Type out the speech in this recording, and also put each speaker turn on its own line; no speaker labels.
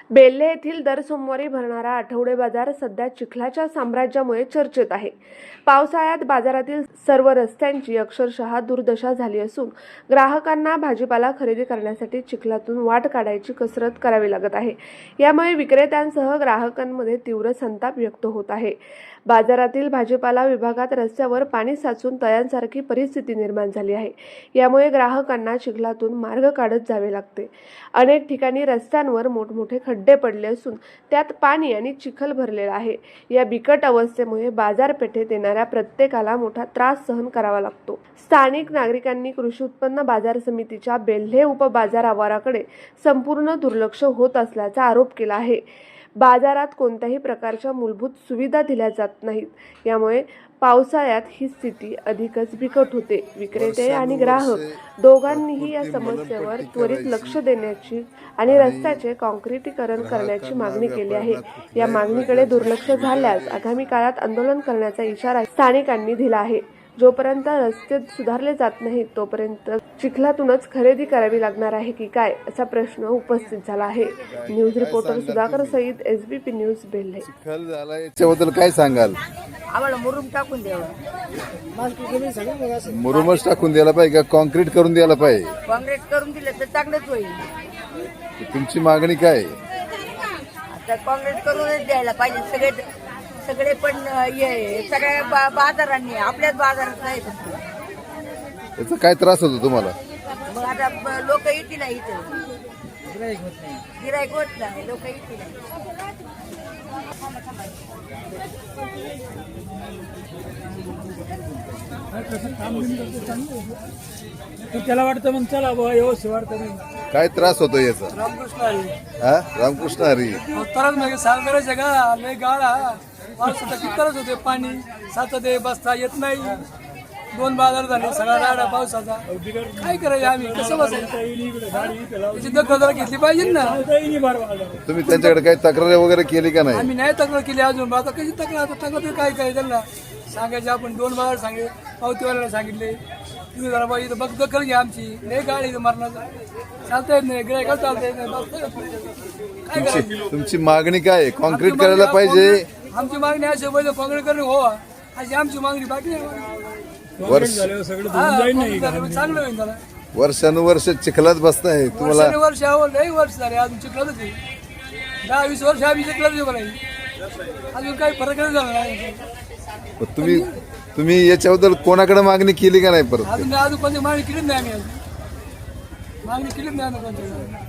बेल्हे येथील दर सोमवारी भरणारा आठवडे बाजार सध्या चिखलाच्या साम्राज्यामुळे चर्चेत आहे। पावसाळ्यात बाजारातील सर्व रस्त्यांची अक्षरशः दुर्दशा झाली असून ग्राहकांना भाजीपाला खरेदी करण्यासाठी चिखलातून वाट काढायची कसरत करावी लागत आहे। यामुळे विक्रेत्यांसह ग्राहकांमध्ये तीव्र संताप व्यक्त होत आहे। बाजारातील भाजीपाला विभागात रस्त्यावर पाणी साचून तळ्यांसारखी परिस्थिती निर्माण झाली आहे। यामुळे ग्राहकांना चिखलातून मार्ग काढत जावे लागते। अनेक ठिकाणी रस्त्यांवर मोठमोठे खड्डे पडले असून त्यात पाणी आणि चिखल भरलेला आहे। या बिकट अवस्थेमुळे बाजारपेठेत येणाऱ्या प्रत्येकाला मोठा त्रास सहन करावा लागतो। स्थानिक नागरिकांनी कृषी उत्पन्न बाजार समितीच्या बेल्हे उपबाजार आवाराकडे संपूर्ण दुर्लक्ष होत असल्याचा आरोप केला आहे। बाजारात कोणत्याही प्रकारच्या मूलभूत सुविधा दिल्या जात नाहीत। यामुळे पावसाळ्यात ही स्थिती अधिकच बिकट होते। विक्रेते आणि ग्राहक दोघांनीही या समस्येवर त्वरित लक्ष देण्याची आणि रस्त्याचे काँक्रिटीकरण करण्याची मागणी केली आहे। या मागणीकडे दुर्लक्ष झाल्यास आगामी काळात आंदोलन करण्याचा इशारा स्थानिकांनी दिला आहे। जोपर्यंत रस्ते सुधारले जात नाहीत तोपर्यंत चिखलातूनच खरेदी करावी लागणार आहे की काय असा प्रश्न उपस्थित झाला आहे। News reporter Sudhakar Sayeed, SBP news, Belhe.
चिखल झाला याच्याबद्दल काय सांगाल?
आम्हाला मुरुम टाकून द्यावा,
मुरुमच टाकून द्यायला पाहिजे का कॉन्क्रीट करून द्यायला पाहिजे?
काँक्रीट करून दिलं तर चांगलंच होईल।
तुमची मागणी काय?
आता काँक्रीट करूनच द्यायला पाहिजे सगळे पण सगळ्या बाजारांनी आपल्याच बाजारात नाही फक्त।
याचा काय त्रास होतो तुम्हाला?
मग आता लोक येतील नाही, इथं गिराईक होत नाही, लोक येतील नाही।
त्याला वाटतं मग चला बाबा व्यवस्थित वाटतं
काय त्रास होतो याचा?
रामकृष्ण हरी
हा, रामकृष्ण हरी।
तरच मग साल करायचं का लय गाळा पावसाचा कितरच होते, पाणी साचते, बसता येत नाही। 2 बाजार झाले, सगळा राडा पावसाचा। काय करायचं आम्ही, कसं बसायचं? त्याची दखल घेतली पाहिजे ना।
तुम्ही त्यांच्याकडे काही तक्रार वगैरे केली का नाही?
आम्ही नाही तक्रार केली अजून। आता कशी तक्रार, तक्रार काय काय त्यांना सांगायचे? आपण 2 बाजार सांगितले, पावतीवाल्याला सांगितले, तुम्ही जरा बाई बघ दखल घ्या आमची। नाही गाडी मरणाचा चालता येत नाही, गिरायका चालता येत नाही, काय करायचं?
तुमची मागणी काय आहे? कॉन्क्रीट करायला पाहिजे?
आमची मागणी अशी पहिले काँक्रीट करणं हो, अशी आमची मागणी, बाकी नाही। चांगलं होईल त्याला।
वर्षानुवर्ष चिखलात बसताय तुम्हाला?
वर्ष लई वर्ष झाले, अजून चिखलातच आहे। 10-20 वर्ष आम्ही चिखलातच उभं राहील, अजून काही फरक नाही झाला नाही।
तुम्ही याच्याबद्दल कोणाकडे मागणी केली का नाही? परत
अजून कोणती मागणी केलीच नाही आम्ही, अजून मागणी केलीच नाही कोणती।